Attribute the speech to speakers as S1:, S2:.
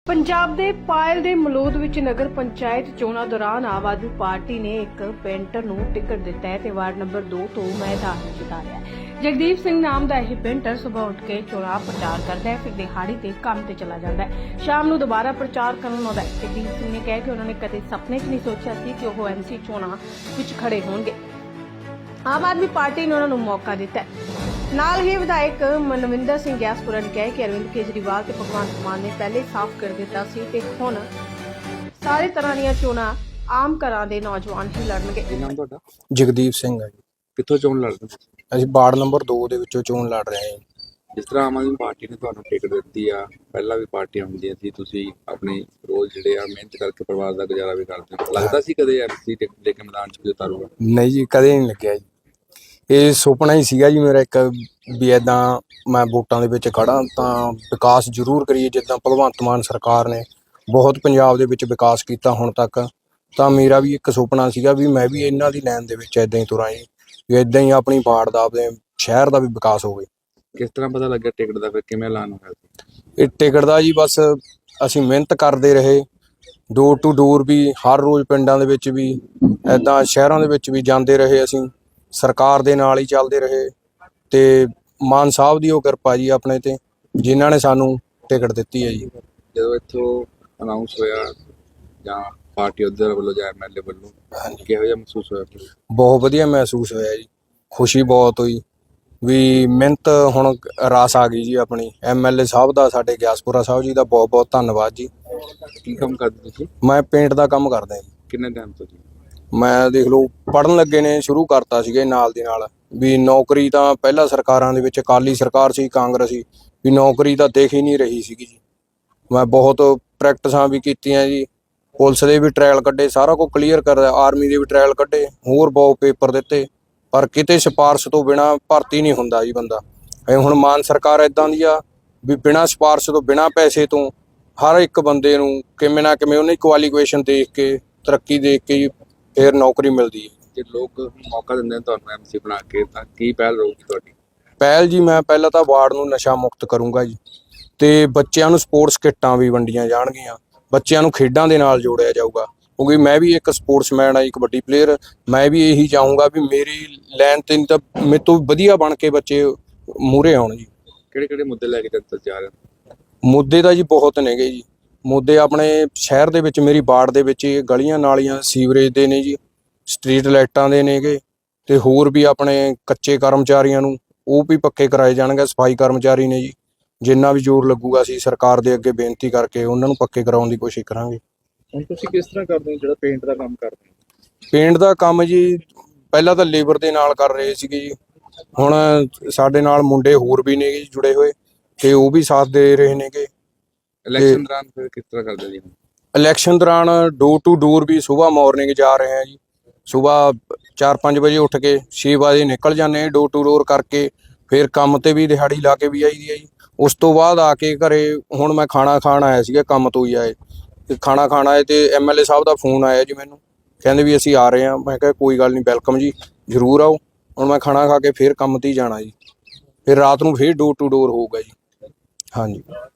S1: ਪੰਜਾਬ ਦੇ ਪਾਇਲ ਦੇ ਮਲੂਦ ਵਿੱਚ ਨਗਰ ਪੰਚਾਇਤ ਚੋਣਾਂ ਦੌਰਾਨ ਆਮ ਆਦਮੀ ਪਾਰਟੀ ਨੇ ਇੱਕ ਪੇਂਟਰ ਨੂੰ ਟਿਕਟ ਦਿੱਤਾ ਹੈ ਤੇ ਵਾਰਡ ਨੰਬਰ 2 ਤੋਂ ਮੈਦਾਨ ਵਿੱਚ ਉਤਾਰਿਆ ਹੈ। ਜਗਦੀਪ ਸਿੰਘ ਨਾਮ ਦਾ ਇਹ ਪੇਂਟਰ ਸਵੇਰ ਉੱਠ ਕੇ ਚੋਣਾਂ ਪ੍ਰਚਾਰ ਕਰਦਾ ਹੈ, ਫਿਰ ਦਿਹਾੜੀ ਤੇ ਕੰਮ ਤੇ ਚਲਾ ਜਾਂਦਾ ਹੈ। ਸ਼ਾਮ ਨੂੰ ਦੁਬਾਰਾ ਪ੍ਰਚਾਰ ਕਰਨ ਆਉਂਦਾ ਹੈ। ਜਗਦੀਪ ਸਿੰਘ ਨੇ ਕਿਹਾ ਕਿ ਉਹਨਾਂ ਨੇ ਕਦੇ ਸੁਪਨੇ 'ਚ ਨਹੀਂ ਸੋਚਿਆ ਸੀ ਕਿ ਉਹ ਐਮਸੀ ਚੋਣਾਂ ਵਿੱਚ ਖੜੇ ਹੋਣਗੇ। ਆਮ ਆਦਮੀ ਪਾਰਟੀ ਨੇ ਉਹਨਾਂ ਨੂੰ ਮੌਕਾ ਦਿੱਤਾ ਹੈ। ਨਾਲ ਹੀ ਵਿਧਾਇਕ ਮਨਵਿੰਦਰ ਸਿੰਘ ਗਿਆਸਪੁਰਾ ਨੇ ਕਿਹਾ ਕਿ ਅਰਵਿੰਦ ਕੇਜਰੀਵਾਲ ਤੇ ਭਗਵੰਤ ਮਾਨ ਨੇ ਪਹਿਲੇ ਸਾਫ਼ ਕਰ ਦਿੱਤਾ ਸੀ ਤੇ ਹੁਣ ਸਾਰੇ ਤਰ੍ਹਾਂ ਦੀਆਂ ਚੋਣਾਂ ਆਮ ਘਰਾਂ ਦੇ ਨੌਜਵਾਨ ਹੀ ਲੜਨਗੇ।
S2: ਕੀ ਨਾਮ ਤੁਹਾਡਾ?
S3: ਜਗਦੀਪ ਸਿੰਘ ਹੈ ਜੀ।
S2: ਕਿੱਥੋਂ ਚੋਣ ਲੜਦੇ ਹੋ?
S3: ਅਸੀਂ ਵਾਰਡ ਨੰਬਰ 2 ਦੇ ਵਿੱਚੋਂ ਚੋਣ ਲੜ ਰਹੇ ਹਾਂ।
S2: ਜਿਸ ਤਰ੍ਹਾਂ ਆਮ ਆਦਮੀ ਪਾਰਟੀ ਨੇ ਤੁਹਾਨੂੰ ਟਿਕਟ ਦਿੱਤੀ ਆ, ਪਹਿਲਾਂ ਵੀ ਪਾਰਟੀਆਂ ਹੁੰਦੀਆਂ ਸੀ, ਤੁਸੀਂ ਆਪਣੀ ਰੋਜ਼ ਜਿਹੜੇ ਆ ਮਿਹਨਤ ਕਰਕੇ ਪਰਿਵਾਰ ਦਾ ਗੁਜ਼ਾਰਾ ਵੀ ਕਰਦੇ ਹੋ, ਲੱਗਦਾ ਸੀ ਕਦੇ ਐਮਸੀ ਟਿਕਟ ਲੈ ਕੇ ਮੈਦਾਨ 'ਚ ਉਤਾਰੂਗਾ?
S3: ਨਹੀਂ ਜੀ, ਕਦੇ ਨਹੀਂ ਲੱਗਿਆ ਜੀ। ਇਹ ਸੁਪਨਾ ਹੀ ਸੀਗਾ ਜੀ ਮੇਰਾ ਇੱਕ, ਵੀ ਇੱਦਾਂ ਮੈਂ ਵੋਟਾਂ ਦੇ ਵਿੱਚ ਖੜਾ ਤਾਂ ਵਿਕਾਸ ਜ਼ਰੂਰ ਕਰੀਏ। ਜਿੱਦਾਂ ਭਗਵੰਤ ਮਾਨ ਸਰਕਾਰ ਨੇ ਬਹੁਤ ਪੰਜਾਬ ਦੇ ਵਿੱਚ ਵਿਕਾਸ ਕੀਤਾ ਹੁਣ ਤੱਕ, ਤਾਂ ਮੇਰਾ ਵੀ ਇੱਕ ਸੁਪਨਾ ਸੀਗਾ ਵੀ ਮੈਂ ਵੀ ਇਹਨਾਂ ਦੀ ਲਾਈਨ ਦੇ ਵਿੱਚ ਇੱਦਾਂ ਹੀ ਤੁਰਾਂ ਜੀ, ਵੀ ਇੱਦਾਂ ਹੀ ਆਪਣੀ ਵਾਰਡ ਦਾ, ਆਪਣੇ ਸ਼ਹਿਰ ਦਾ ਵੀ ਵਿਕਾਸ ਹੋਵੇ।
S2: ਕਿਸ ਤਰ੍ਹਾਂ ਪਤਾ ਲੱਗਿਆ ਟਿਕਟ ਦਾ, ਫਿਰ ਕਿਵੇਂ ਐਲਾਨ ਹੋਇਆ ਸੀ?
S3: ਇਹ ਟਿਕਟ ਦਾ ਜੀ ਬਸ ਅਸੀਂ ਮਿਹਨਤ ਕਰਦੇ ਰਹੇ, ਡੋਰ ਟੂ ਡੋਰ ਵੀ, ਹਰ ਰੋਜ਼ ਪਿੰਡਾਂ ਦੇ ਵਿੱਚ ਵੀ, ਇੱਦਾਂ ਸ਼ਹਿਰਾਂ ਦੇ ਵਿੱਚ ਵੀ ਜਾਂਦੇ ਰਹੇ। ਅਸੀਂ ਸਰਕਾਰ ਦੇ ਨਾਲ ਹੀ ਚੱਲਦੇ ਰਹੇ ਤੇ ਮਾਨ ਸਾਹਿਬ ਦੀ ਉਹ ਕਿਰਪਾ ਜੀ ਆਪਣੇ ਤੇ, ਜਿਨ੍ਹਾਂ ਨੇ ਸਾਨੂੰ ਟਿਕਟ ਦਿੱਤੀ ਹੈ ਜੀ।
S2: ਜਦੋਂ ਇੱਥੋਂ ਅਨਾਉਂਸ ਹੋਇਆ ਜਾਂ ਪਾਰਟੀ ਉਧਰ ਵੱਲੋਂ ਜਾਂ ਐਮਐਲਏ ਵੱਲੋਂ, ਕਿਹੋ ਜਿਹਾ ਮਹਿਸੂਸ ਹੋਇਆ?
S3: ਬਹੁਤ ਵਧੀਆ ਮਹਿਸੂਸ ਹੋਇਆ ਜੀ, ਖੁਸ਼ੀ ਬਹੁਤ ਹੋਈ ਵੀ ਮਿਹਨਤ ਹੁਣ ਰਾਸ ਆ ਗਈ ਜੀ ਆਪਣੀ। ਐਮਐਲਏ ਸਾਹਿਬ ਦਾ, ਸਾਡੇ ਗਿਆਸਪੁਰਾ ਸਾਹਿਬ ਜੀ ਦਾ ਬਹੁਤ ਬਹੁਤ ਧੰਨਵਾਦ ਜੀ।
S2: ਕੀ ਕੰਮ ਕਰਦੇ ਤੁਸੀਂ?
S3: ਮੈਂ ਪੇਂਟ ਦਾ ਕੰਮ ਕਰਦਾ ਜੀ।
S2: ਕਿੰਨੇ ਟਾਈਮ ਤੋਂ ਜੀ?
S3: ਮੈਂ ਦੇਖ ਲਓ ਪੜ੍ਹਨ ਲੱਗੇ ਨੇ ਸ਼ੁਰੂ ਕਰਤਾ ਸੀਗਾ ਨਾਲ ਦੀ ਨਾਲ, ਵੀ ਨੌਕਰੀ ਤਾਂ ਪਹਿਲਾਂ ਸਰਕਾਰਾਂ ਦੇ ਵਿੱਚ, ਅਕਾਲੀ ਸਰਕਾਰ ਸੀ, ਕਾਂਗਰਸੀ, ਵੀ ਨੌਕਰੀ ਤਾਂ ਦੇਖ ਹੀ ਨਹੀਂ ਰਹੀ ਸੀਗੀ ਜੀ। ਮੈਂ ਬਹੁਤ ਪ੍ਰੈਕਟਿਸਾਂ ਵੀ ਕੀਤੀਆਂ ਜੀ, ਪੁਲਿਸ ਦੇ ਵੀ ਟ੍ਰਾਇਲ ਕੱਢੇ, ਸਾਰਾ ਕੁਝ ਕਲੀਅਰ ਕਰਦਾ, ਆਰਮੀ ਦੇ ਵੀ ਟ੍ਰਾਇਲ ਕੱਢੇ, ਹੋਰ ਬਹੁਤ ਪੇਪਰ ਦਿੱਤੇ, ਪਰ ਕਿਤੇ ਸਿਫਾਰਸ਼ ਤੋਂ ਬਿਨਾਂ ਭਰਤੀ ਨਹੀਂ ਹੁੰਦਾ ਜੀ ਬੰਦਾ। ਹੁਣ ਮਾਨ ਸਰਕਾਰ ਇਦਾਂ ਦੀ ਆ ਵੀ ਬਿਨਾਂ ਸਿਫਾਰਸ਼ ਤੋਂ, ਬਿਨਾਂ ਪੈਸੇ ਤੋਂ ਹਰ ਇੱਕ ਬੰਦੇ ਨੂੰ ਕਿਵੇਂ ਨਾ ਕਿਵੇਂ ਉਹਨੇ ਕੁਆਲੀਫਿਕੇਸ਼ਨ ਦੇਖ ਕੇ, ਤਰੱਕੀ ਦੇਖ ਕੇ ਜੀ ਫਿਰ ਨੌਕਰੀ ਮਿਲਦੀ ਹੈ।
S2: ਜੇ ਲੋਕ ਮੌਕਾ ਦਿੰਦੇ ਨੇ ਤੁਹਾਨੂੰ ਐਮਸੀ ਬਣਾ ਕੇ, ਤਾਂ ਕੀ ਪਹਿਲ ਰਹੂਗੀ ਤੁਹਾਡੀ?
S3: ਪਹਿਲ ਜੀ, ਮੈਂ ਪਹਿਲਾਂ ਤਾਂ ਵਾਰਡ ਨੂੰ ਨਸ਼ਾ ਮੁਕਤ ਕਰੂੰਗਾ ਜੀ, ਤੇ ਬੱਚਿਆਂ ਨੂੰ ਸਪੋਰਟਸ ਕਿੱਟਾਂ ਵੀ ਵੰਡੀਆਂ ਜਾਣਗੀਆਂ, ਬੱਚਿਆਂ ਨੂੰ ਖੇਡਾਂ ਦੇ ਨਾਲ ਜੋੜਿਆ ਜਾਊਗਾ, ਕਿਉਂਕਿ ਮੈਂ ਵੀ ਇੱਕ ਸਪੋਰਟਸਮੈਨ ਆ, ਇੱਕ ਵੱਡੀ ਪਲੇਅਰ। ਮੈਂ ਵੀ ਇਹੀ ਚਾਹੂੰਗਾ ਵੀ ਮੇਰੀ ਲਾਈਨ ਤੇ ਤਾਂ ਮੇਰੇ ਤੋਂ ਵਧੀਆ ਬਣ ਕੇ ਬੱਚੇ ਮੂਹਰੇ ਆਉਣ ਜੀ।
S2: ਕਿਹੜੇ ਕਿਹੜੇ ਮੁੱਦੇ ਲੈ ਕੇ ਜਨਤਾ ਜਾ ਰਹੇ ਹੋ?
S3: ਮੁੱਦੇ ਤਾਂ ਜੀ ਬਹੁਤ ਨੇਗੇ ਜੀ। ਮੁੱਦੇ ਆਪਣੇ ਸ਼ਹਿਰ ਦੇ ਵਿੱਚ, ਮੇਰੀ ਵਾਰਡ ਦੇ ਵਿੱਚ ਗਲੀਆਂ ਨਾਲੀਆਂ, ਸੀਵਰੇਜ ਦੇ ਨੇ ਜੀ, ਸਟਰੀਟ ਲਾਈਟਾਂ ਦੇ ਨੇਗੇ, ਤੇ ਹੋਰ ਵੀ ਆਪਣੇ ਕੱਚੇ ਕਰਮਚਾਰੀਆਂ ਨੂੰ ਉਹ ਵੀ ਪੱਕੇ ਕਰਾਏ ਜਾਣਗੇ। ਸਫਾਈ ਕਰਮਚਾਰੀ ਨੇ ਜੀ, ਜਿੰਨਾ ਵੀ ਜ਼ੋਰ ਲੱਗੂਗਾ ਅਸੀਂ ਸਰਕਾਰ ਦੇ ਅੱਗੇ ਬੇਨਤੀ ਕਰਕੇ ਉਹਨਾਂ ਨੂੰ ਪੱਕੇ ਕਰਾਉਣ ਦੀ ਕੋਸ਼ਿਸ਼ ਕਰਾਂਗੇ।
S2: ਹੁਣ ਤੁਸੀਂ ਕਿਸ ਤਰ੍ਹਾਂ ਕਰਦੇ ਹੋ ਜਿਹੜਾ ਪੇਂਟ ਦਾ ਕੰਮ ਕਰਦੇ ਹੋ?
S3: ਪੇਂਟ ਦਾ ਕੰਮ ਜੀ ਪਹਿਲਾਂ ਤਾਂ ਲੇਬਰ ਦੇ ਨਾਲ ਕਰ ਰਹੇ ਸੀਗੇ ਜੀ, ਹੁਣ ਸਾਡੇ ਨਾਲ ਮੁੰਡੇ ਹੋਰ ਵੀ ਨੇ ਜੀ ਜੁੜੇ ਹੋਏ, ਤੇ ਉਹ ਵੀ ਸਾਥ ਦੇ ਰਹੇ ਨੇਗੇ।
S2: ਇਲੈਕਸ਼ਨ ਦੌਰਾਨ ਫਿਰ ਕਿਸ ਤਰ੍ਹਾਂ ਕਰਦੇ ਜੀ?
S3: ਇਲੈਕਸ਼ਨ ਦੌਰਾਨ ਡੋਰ ਟੂ ਡੋਰ ਵੀ ਸੁਬਾਹ ਮਾਰਨਿੰਗ ਜਾ ਰਹੇ ਹਾਂ ਜੀ। ਸੁਬਾਹ 4-5 ਵਜੇ ਉੱਠ ਕੇ 6 ਵਜੇ ਨਿਕਲ ਜਾਂਦੇ ਹਾਂ ਡੋਰ ਟੂ ਡੋਰ ਕਰਕੇ, ਫਿਰ ਕੰਮ ਤੇ ਵੀ ਦਿਹਾੜੀ ਲਾ ਕੇ ਵੀ ਆਈਦੀ ਹੈ ਜੀ। ਉਸ ਤੋਂ ਬਾਅਦ ਆ ਕੇ ਘਰੇ, ਹੁਣ ਮੈਂ ਖਾਣਾ ਖਾਣ ਆਇਆ ਸੀਗਾ, ਕੰਮ ਤੋਂ ਹੀ ਆਏ ਤੇ ਖਾਣਾ ਖਾਣ ਆਏ ਤੇ ਐਮਐਲਏ ਸਾਹਿਬ ਦਾ ਫੋਨ ਆਇਆ ਜੀ ਮੈਨੂੰ, ਕਹਿੰਦੇ ਵੀ ਅਸੀਂ ਆ ਰਹੇ ਹਾਂ। ਮੈਂ ਕਿਹਾ ਕੋਈ ਗੱਲ ਨਹੀਂ, ਵੈਲਕਮ ਜੀ, ਜ਼ਰੂਰ ਆਓ। ਹੁਣ ਮੈਂ ਖਾਣਾ ਖਾ ਕੇ ਫਿਰ ਕੰਮ ਤੇ ਹੀ ਜਾਣਾ ਜੀ, ਫਿਰ ਰਾਤ ਨੂੰ ਫਿਰ ਡੋਰ ਟੂ ਡੋਰ ਹੋਊਗਾ ਜੀ। ਹਾਂਜੀ।